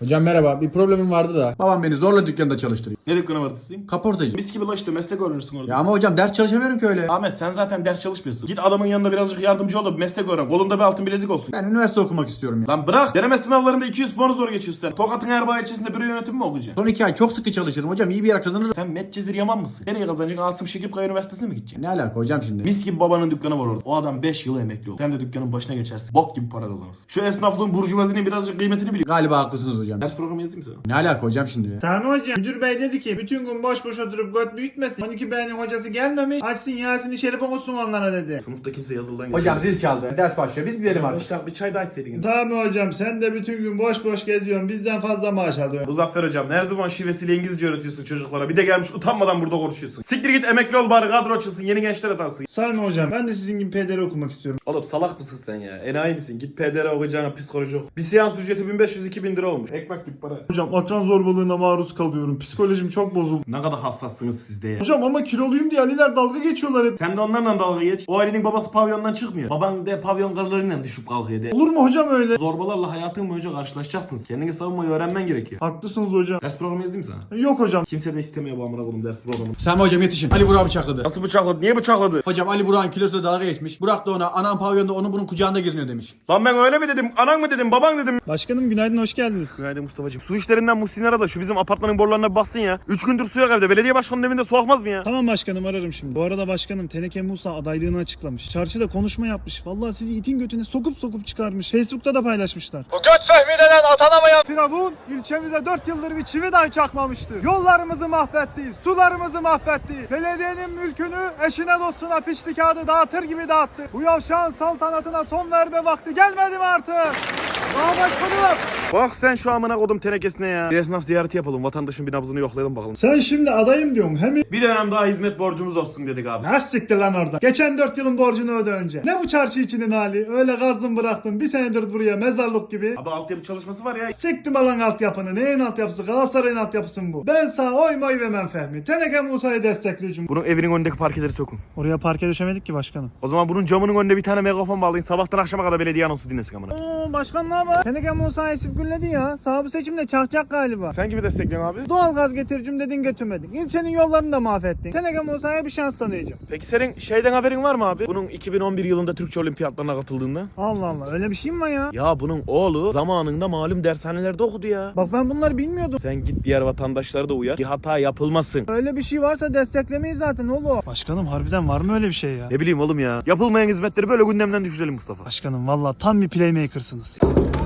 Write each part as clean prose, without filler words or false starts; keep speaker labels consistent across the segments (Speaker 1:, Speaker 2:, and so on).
Speaker 1: Hocam merhaba. Bir problemim vardı da. Babam beni zorla dükkanda çalıştırıyor.
Speaker 2: Ne dükkanı vardı sizin?
Speaker 1: Kaportacı.
Speaker 2: Mis gibi la işte meslek öğrenirsin orada.
Speaker 1: Ya ama hocam ders çalışamıyorum ki öyle.
Speaker 2: Ahmet sen zaten ders çalışmıyorsun. Git adamın yanında birazcık yardımcı ol da bir meslek öğren. Kolunda bir altın bilezik olsun.
Speaker 1: Ben üniversite okumak istiyorum ya.
Speaker 2: Lan bırak. Deneme sınavlarında 200 puanı zor geçiyorsun sen. Tokat'ın Erbaa ilçesinde büro yönetimi mi okuyacaksın?
Speaker 1: Son 2 ay çok sıkı çalışırım hocam. İyi bir yer kazanırım.
Speaker 2: Sen Medcezir Yaman mısın? Nereye kazanacaksın? Asım Şekipkaya Üniversitesi'ne mi gideceksin?
Speaker 1: Ne alaka hocam şimdi?
Speaker 2: Mis gibi babanın dükkanı var orada. O adam 5 yıl emekli oldu. Sen de dükkanın başına geçersin. Bok gibi para kazanırsın. Şu esnaflığın burjuvazinin birazcık kıymetini bil.
Speaker 1: Galiba haklısınız hocam.
Speaker 2: Ders programı yazayım sana.
Speaker 1: Ne alaka hocam şimdi ya?
Speaker 3: Sami hocam, müdür bey dedi ki bütün gün boş boş oturup göt büyütmesin. 12B'nin hocası gelmemiş, açsın Yasin-i Şerif okusun onlara dedi.
Speaker 2: Sınıfta kimse yazılıdan
Speaker 1: Hocam zil çaldı. Ders başlıyor. Biz gidelim artık.
Speaker 2: Arkadaşlar bir çay daha içseydiniz.
Speaker 3: Sami hocam, sen de bütün gün boş boş geziyorsun, bizden fazla maaş alıyorsun.
Speaker 2: Muzaffer hocam her zaman şivesiyle İngilizce öğretiyorsun çocuklara. Bir de gelmiş utanmadan burada konuşuyorsun. Siktir git emekli ol bari kadro açılsın yeni gençler atansın.
Speaker 3: Sami hocam, ben de sizin gibi PDR okumak istiyorum.
Speaker 2: Oğlum salak mısın sen ya? Enayi misin? Git PDR okuyacağına psikoloji oku. Bir seans ücreti 1500-2000 lira olmuş. Ekmek gibi para.
Speaker 3: Hocam akran zorbalığına maruz kalıyorum, psikolojim çok bozuldu.
Speaker 2: Ne kadar hassassınız siz de ya.
Speaker 3: Hocam ama kiloluyum diye Aliler dalga geçiyorlar hep.
Speaker 2: Sen de onlarla dalga geç. O Ali'nin babası pavyondan çıkmıyor. Baban de pavyon karılarıyla düşüp kalkıyor de.
Speaker 3: Olur mu hocam öyle?
Speaker 2: Zorbalarla hayatın boyunca karşılaşacaksınız. Kendini savunmayı öğrenmen gerekiyor.
Speaker 3: Haklısınız hocam.
Speaker 2: Ders programı yazayım sana.
Speaker 3: Yok hocam.
Speaker 2: Kimse de istemiyor bu amına koyayım ders programını.
Speaker 1: Sami hocam yetişin. Ali Burak'ı bıçakladı.
Speaker 2: Nasıl bıçakladı? Niye bıçakladı?
Speaker 1: Hocam Ali Burak'ın kilosuyla dalga geçmiş. Burak da ona anam pavyonda onun bunun kucağında geziniyor demiş.
Speaker 2: Lan ben öyle mi dedim? Anan mı dedim? Baban dedim.
Speaker 3: Başkanım günaydın, hoş geldiniz.
Speaker 2: Günaydın Mustafa'cığım. Su işlerinden Muhsin'i ara da şu bizim apartmanın borularına bir bassın ya. 3 gündür su yok evde. Belediye başkanının evinde su akmaz mı ya?
Speaker 3: Tamam başkanım, ararım şimdi. Bu arada başkanım, Teneke Musa adaylığını açıklamış. Çarşıda konuşma yapmış. Vallahi sizi itin götüne sokup çıkarmış. Facebook'ta da paylaşmışlar.
Speaker 4: Bu göt Fehmi denen atanamayan
Speaker 3: Firavun ilçemize 4 yıldır bir çivi dahi çakmamıştı. Yollarımızı mahvetti, sularımızı mahvetti. Belediyenin mülkünü eşine dostuna pişti kağıdı dağıtır gibi dağıttı. Bu yavşağın saltanatına son verme vakti gelmedi mi artık? Daha başkanım.
Speaker 2: Bak sen şu amına kodum tenekesine ya. Bir esnaf ziyareti yapalım. Vatandaşın bir nabzını yoklayalım bakalım.
Speaker 3: Sen şimdi adayım diyorsun hem
Speaker 2: Bir dönem daha hizmet borcumuz olsun dedik abi.
Speaker 3: Ha siktir lan orada. Geçen 4 yılın borcunu öde önce. Ne bu çarşı içinin hali? Öyle gazdın bıraktın. Bir senedir buraya mezarlık gibi.
Speaker 2: Abi altyapı çalışması var ya.
Speaker 3: Siktim alan altyapını. Neyin altyapısı? Galatasaray'ın altyapısı mı bu? Ben sağ oy moy vermem Fehmi. Teneke Musa'yı destekleyeceğim.
Speaker 2: Bunun evinin önündeki parkeleri sokun.
Speaker 3: Oraya parke döşemedik ki başkanım.
Speaker 2: O zaman bunun camının önünde bir tane megafon bağlayın. Sabahtan akşama kadar belediye anonsu dinlesin amına.
Speaker 3: Oo başkan ne haber? Teneke Musa esip gülledi ya. Sağ bu seçimde çakacak galiba.
Speaker 2: Sen kimi destekliyorsun abi?
Speaker 3: Doğalgaz getiricim dedin götürmedin. İlçenin yollarını da mahvettin. Teneke Musa'ya bir şans tanıyacağım.
Speaker 2: Peki senin şeyden haberin var mı abi? Bunun 2011 yılında Türkçe olimpiyatlarına katıldığında.
Speaker 3: Allah Allah, öyle bir şey mi var ya?
Speaker 2: Ya bunun oğlu zamanında malum dershanelerde okudu ya.
Speaker 3: Bak ben bunları bilmiyordum.
Speaker 2: Sen git diğer vatandaşları da uyar. Bir hata yapılmasın.
Speaker 3: Öyle bir şey varsa desteklemeyiz zaten oğlum. Başkanım harbiden var mı öyle bir şey ya?
Speaker 2: Ne bileyim oğlum ya. Yapılmayan hizmetleri böyle gündemden düşürelim Mustafa.
Speaker 3: Başkanım valla tam bir playmaker'sınız.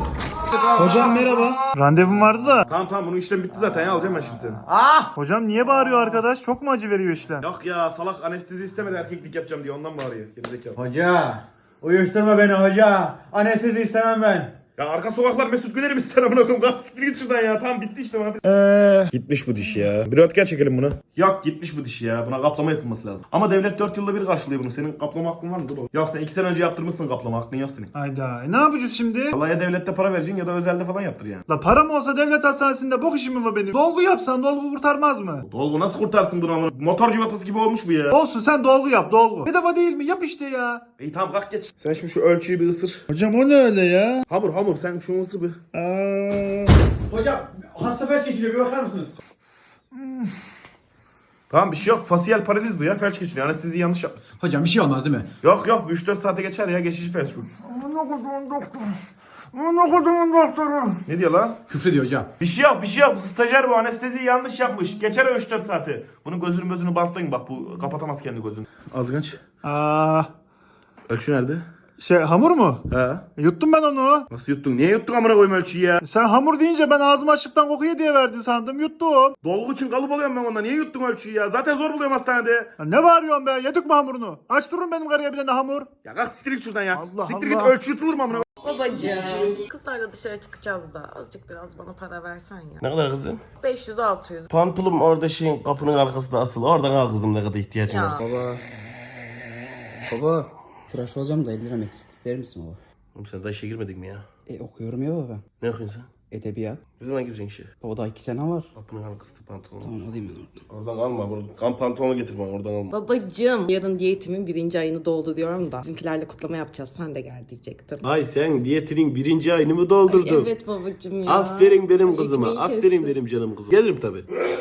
Speaker 3: Hocam merhaba. Randevum vardı da.
Speaker 2: Tamam bunun işlem bitti zaten ya alacağım ben şimdi seni.
Speaker 3: Hocam niye bağırıyor arkadaş? Çok mu acı veriyor işlem?
Speaker 2: Yok ya salak anestezi istemedi erkeklik yapacağım diye ondan bağırıyor. Gerizekalı.
Speaker 1: Hoca. Uyuşturma beni hoca. Anestezi istemem ben.
Speaker 2: Ya arka sokaklar Mesut Güler'i biz sen amına koyayım. Kalk siktir git şuradan ya. Tamam bitti işte hadi. Gitmiş bu diş ya. Bir röntgen çekelim bunu. Yok gitmiş bu diş ya. Buna kaplama yapılması lazım. Ama devlet 4 yılda bir karşılıyor bunu. Senin kaplama hakkın var mı? Dur. Yok sen 2 sene önce yaptırmışsın kaplama hakkın yok senin.
Speaker 3: Hayda. Ne yapacağız şimdi?
Speaker 2: Vallahi ya devlette para vereceksin ya da özelde falan yaptır yani.
Speaker 3: La param olsa devlet hastanesinde bok işim mi var benim? Dolgu yapsan dolgu kurtarmaz mı?
Speaker 2: Dolgu nasıl kurtarsın bunu amına? Motor civatası gibi olmuş bu ya.
Speaker 3: Olsun sen dolgu yap dolgu. Bedava değil mi? Yap işte ya.
Speaker 2: İyi tamam kalk geç. Sen şimdi şu ölçüyü bir ısır.
Speaker 3: Hocam o ne öyle ya?
Speaker 2: Hamur sen şunu ısır bir.
Speaker 1: Hocam hasta felç geçiriyor bir bakar mısınız?
Speaker 2: Tamam bir şey yok. Fasiyel paraliz bu ya. Felç geçiriyor. Anesteziyi yanlış yapmışsın.
Speaker 1: Hocam bir şey olmaz değil mi?
Speaker 2: Yok 3-4 saate geçer ya. Geçici felç bu. Ne diyor lan?
Speaker 1: Küfrediyor hocam.
Speaker 2: Bir şey yok. Bu stajyer bu. Anesteziyi yanlış yapmış. Geçer o 3-4 saati. Bunun gözünü bantlayın bak. Bu kapatamaz kendi gözünü. Ağzını aç. Ölçü nerede?
Speaker 3: Hamur mu?
Speaker 2: He.
Speaker 3: Yuttum ben onu.
Speaker 2: Nasıl yuttun? Niye yuttun amına koyma ölçüyü ya?
Speaker 3: Sen hamur deyince ben ağzım açlıktan kokuyor diye verdin sandım. Yuttum.
Speaker 2: Dolgu için kalıp alıyorum ben ondan. Niye yuttun ölçüyü ya? Zaten zor buluyorum hastanede.
Speaker 3: Ya ne bağırıyorsun be? Yedik mi hamurunu? Aç durun benim karıya bir tane hamur.
Speaker 2: Ya kalk siktir git şuradan ya.
Speaker 3: Allah
Speaker 2: Siktir git
Speaker 3: Allah.
Speaker 2: ölçü yutulur mu amına?
Speaker 5: Babacığım. Kızlarla dışarı çıkacağız da azıcık biraz bana para versen ya.
Speaker 6: Ne kadar kızım?
Speaker 5: 500-600.
Speaker 6: Pantolum orada şeyin kapının arkasında asılı. Oradan al kızım ne kadar ihtiyacın
Speaker 5: Ya.
Speaker 6: varsa.
Speaker 7: Baba, tıraş olacağım da 50 liram eksik. Verir misin baba?
Speaker 6: Oğlum sen daha işe girmedin mi ya?
Speaker 7: Okuyorum ya baba.
Speaker 6: Ne okuyorsun sen?
Speaker 7: Edebiyat.
Speaker 6: Ne zaman gireceksin işe?
Speaker 7: Baba daha 2 sene var.
Speaker 6: Kapının arkasında pantolon.
Speaker 7: Tamam alayım ben oradan.
Speaker 6: Oradan alma. Kan pantolonu getir bana. Oradan alma.
Speaker 5: Babacım, yarın diyetimin 1. ayını dolduruyorum da bizimkilerle kutlama yapacağız. Sen de gel diyecektim.
Speaker 6: Ay sen diyetinin 1. ayını mı doldurdun?
Speaker 5: Evet babacım ya.
Speaker 6: Aferin benim kızıma.
Speaker 5: Ekmeği
Speaker 6: Aferin
Speaker 5: kestim.
Speaker 6: benim canım kızım. Gelirim tabii.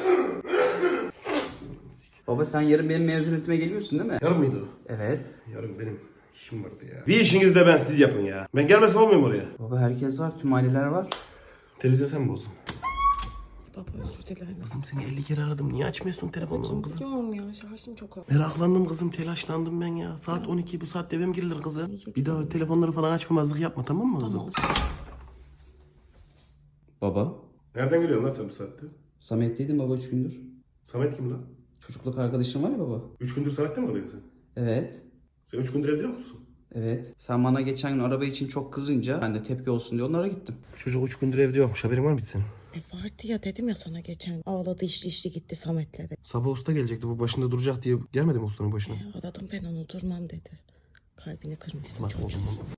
Speaker 7: Baba sen yarın benim mezuniyetime geliyorsun değil mi?
Speaker 6: Yarın mıydı o?
Speaker 7: Evet.
Speaker 6: Yarın benim işim vardı ya. Bir işinizi de ben siz yapın ya. Ben gelmesem olmuyor mu oraya?
Speaker 7: Baba herkes var. Tüm aileler var.
Speaker 6: Televizyon sen mi bozdun?
Speaker 5: Baba özür dilerim.
Speaker 6: Kızım seni 50 kere aradım. Niye açmıyorsun telefonunu kızım?
Speaker 5: Biliyorum ya, şarjım çok az.
Speaker 6: Meraklandım kızım. Telaşlandım ben ya. Saat 12. Bu saatte eve mi girilir kızım? Bir daha telefonları falan açmamazlık yapma, tamam mı kızım?
Speaker 7: Baba.
Speaker 6: Nereden geliyorsun lan sen bu saatte?
Speaker 7: Samet'teydin baba 3 gündür.
Speaker 6: Samet kim lan?
Speaker 7: Çocukluk arkadaşın var ya baba.
Speaker 6: 3 gündür Samet'te mi kalıyorsun sen?
Speaker 7: Evet.
Speaker 6: Sen 3 gündür evde yok musun?
Speaker 7: Evet. Sen bana geçen gün araba için çok kızınca ben de tepki olsun diye onlara gittim.
Speaker 6: Çocuk 3 gündür evde yokmuş. Haberin var mıydı senin?
Speaker 5: Vardı ya, dedim ya sana geçen. Ağladı işli gitti Samet'le de.
Speaker 6: Sabah usta gelecekti. Bu başında duracak diye gelmedi mi ustanın başına?
Speaker 5: Aradım ben onu, durmam dedi. Kalbini kırmışsın
Speaker 6: Bak
Speaker 5: çocuğum.
Speaker 6: oğlum.